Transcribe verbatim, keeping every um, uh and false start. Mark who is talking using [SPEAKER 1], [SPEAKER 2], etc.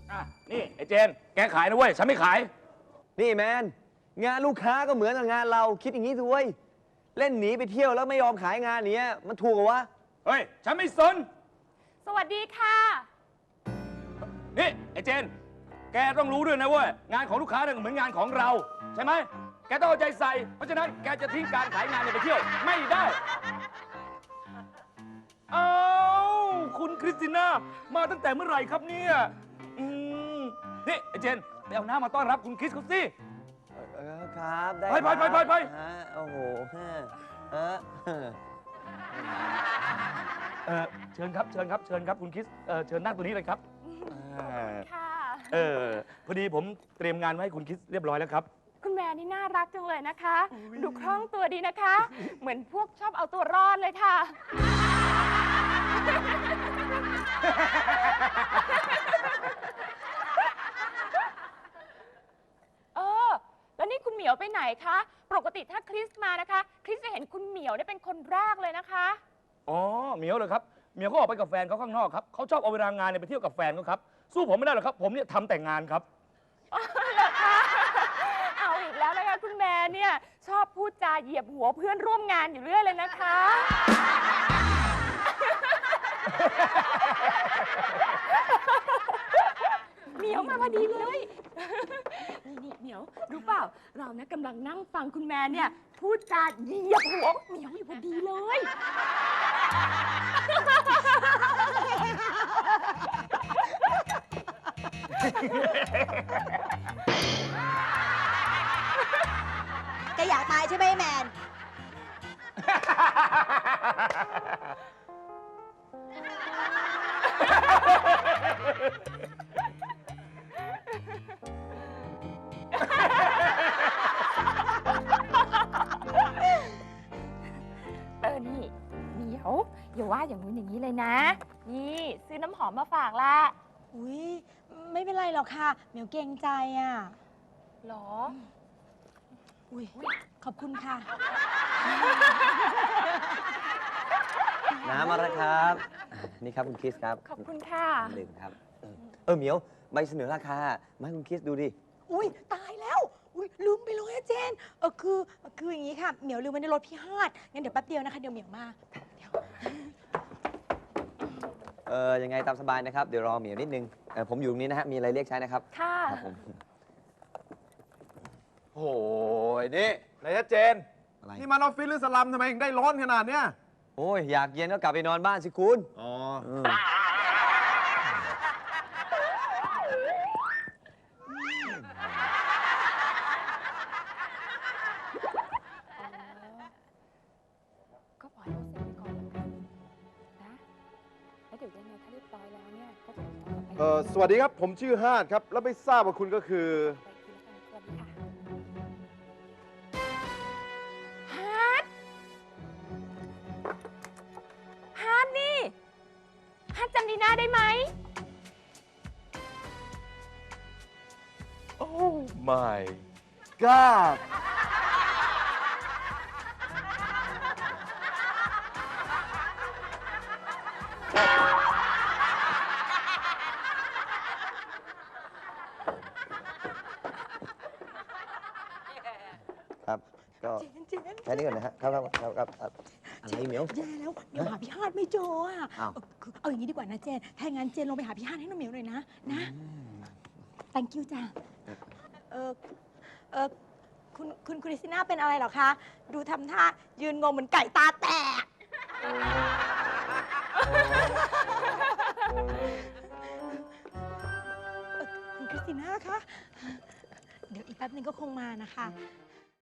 [SPEAKER 1] อ่ะนี่ไอ้เจนแกขายนะเว้ยฉันไม่ขาย
[SPEAKER 2] นี่แมนงานลูกค้าก็เหมือนกับงานเราคิดอย่างนี้สิเว้ยเล่นหนีไปเที่ยวแล้วไม่ยอมขายงานเนี้ยมันถูกเหรอวะ
[SPEAKER 1] เฮ้ยฉันไม่สน
[SPEAKER 3] สวัสดีค่ะ
[SPEAKER 1] นี่ไอ้เจนแกต้องรู้ด้วยนะเว้ยงานของลูกค้าเนี่ยเหมือนงานของเราใช่ไหมแกต้องเอาใจใส่เพราะฉะนั้นแกจะทิ้งการขายงานเนี่ยไปเที่ยวไม่ได้อ้าวคุณคริสติน่ามาตั้งแต่เมื่อไหร่ครับเนี่ยอืมนี่ไอ้เจนไปเอาน้ำมาต้อนรับคุณคริสเขาสิ
[SPEAKER 2] เออครับได้
[SPEAKER 1] ไปไปไปไปไป
[SPEAKER 2] โอ้โหเออ
[SPEAKER 1] เออเชิญครับเชิญครับเชิญครับคุณคริสเออเชิญนั่งตัวนี้เลยครับ
[SPEAKER 3] ค่ะ
[SPEAKER 1] เออพอดีผมเตรียมงานไว้ให้คุณคริสเรียบร้อยแล้วครับ
[SPEAKER 3] คุณแม่นี่น่ารักจังเลยนะคะดูคล่องตัวดีนะคะ เหมือนพวกชอบเอาตัวรอดเลยค่ะเออแล้วนี่คุณเหมียวไปไหนคะปกติถ้าคริสมานะคะคริสจะเห็นคุณเหมียวได้เป็นคนแรกเลยนะคะ
[SPEAKER 1] อ๋อเหมียวเลยครับเหมียวเขาออกไปกับแฟนเขาข้างนอกครับเขาชอบเอาเวลางานเนี่ยไปเที่ยวกับแฟนเขาครับสู้ผมไม่ได้หรอกครับผมเนี่ยทำแต่งงานครับ
[SPEAKER 3] เหรอคะเอาอีกแล้วนะคะคุณแม่เนี่ยชอบพูดจาเหยียบหัวเพื่อนร่วมงานอยู่เรื่อยเลยนะคะเหมียวมาพอดีเลยนี่นี่เหมียวรู้เปล่าเรานะกำลังนั่งฟังคุณแม่เนี่ยพูดจาเหยียบหัวเหมียวอยู่พอดีเลย
[SPEAKER 4] แกอยากตายใช่ไหมแมน
[SPEAKER 3] เออนี่เหมียวอย่าว่าอย่างนู้นอย่างนี้เลยนะนี่ซื้อน้ำหอมมาฝากละ
[SPEAKER 4] อุ้ยไม่เป็นไรหรอกค่ะเหมียวเกรงใจอ่ะ
[SPEAKER 3] หรอ
[SPEAKER 4] อุ้ยขอบคุณค่ะ
[SPEAKER 2] น้ำมาแล้วครับนี่ครับคุณคริสครับ
[SPEAKER 3] ขอบคุณค่ะ
[SPEAKER 2] ดื่มครับเออเหมียวใบเสนอราคามาให้คุณคริสดูดิ
[SPEAKER 4] อุ้ยตายแล้วอุ้ยลืมไปเลยอะเจนเออคือคืออย่างนี้ค่ะเหมียวลืมไว้ในรถพี่ฮาดงั้นเดี๋ยวแป๊บเดียวนะคะเดี๋ยวเหมียวมาเดี๋ยว
[SPEAKER 2] เออยังไงตามสบายนะครับเดี๋ยวรอเหมียวนิดนึงเออผมอยู่ตรงนี้นะฮะมีอะไรเรียกใช้นะครับ
[SPEAKER 3] ค่ะ
[SPEAKER 2] ครับผม
[SPEAKER 5] โอ้ยนี่นายเจนนี่มันออฟฟิศหรือสลัมทำไมถึงได้ร้อนขนาดเนี้ย
[SPEAKER 2] โอ้ยอยากเย็นก็กลับไปนอนบ้านสิคุณ
[SPEAKER 5] อ๋อ
[SPEAKER 3] ก็ปล่อยเขาเสร็จไปก่อนแล้วกันนะแล้วเดี๋ยวยังไงถ้าเรียบร้อยแล้วเนี่ยก็จะติดต่อไป
[SPEAKER 5] เออสวัสดีครับผมชื่อฮาดครับแล้วไม่ทราบว่าคุณก็คือ
[SPEAKER 3] ฮาร์ดฮาร์ดนี่ฮาร์ดจำดีน่าได้ไหม
[SPEAKER 5] โอ้ my god
[SPEAKER 2] ครับก็แค่นี้ก่อนนะฮะครับครับครับครับอะไรเหมียว
[SPEAKER 4] แย่แล้วเหมียวหาพี่ฮาดไม่เจออ่ะคือเอาอย่างนี้ดีกว่านะเจนถ้างั้นเจนลงไปหาพี่ฮาดให้น้องเหมียวหน่อยนะนะ thank you จ้ะเออเออคุณคุณคริสติน่าเป็นอะไรหรอคะดูทำท่ายืนงงเหมือนไก่ตาแตกคุณคริสติน่าคะเดี๋ยวอีกแป๊บนึงก็คงมานะคะ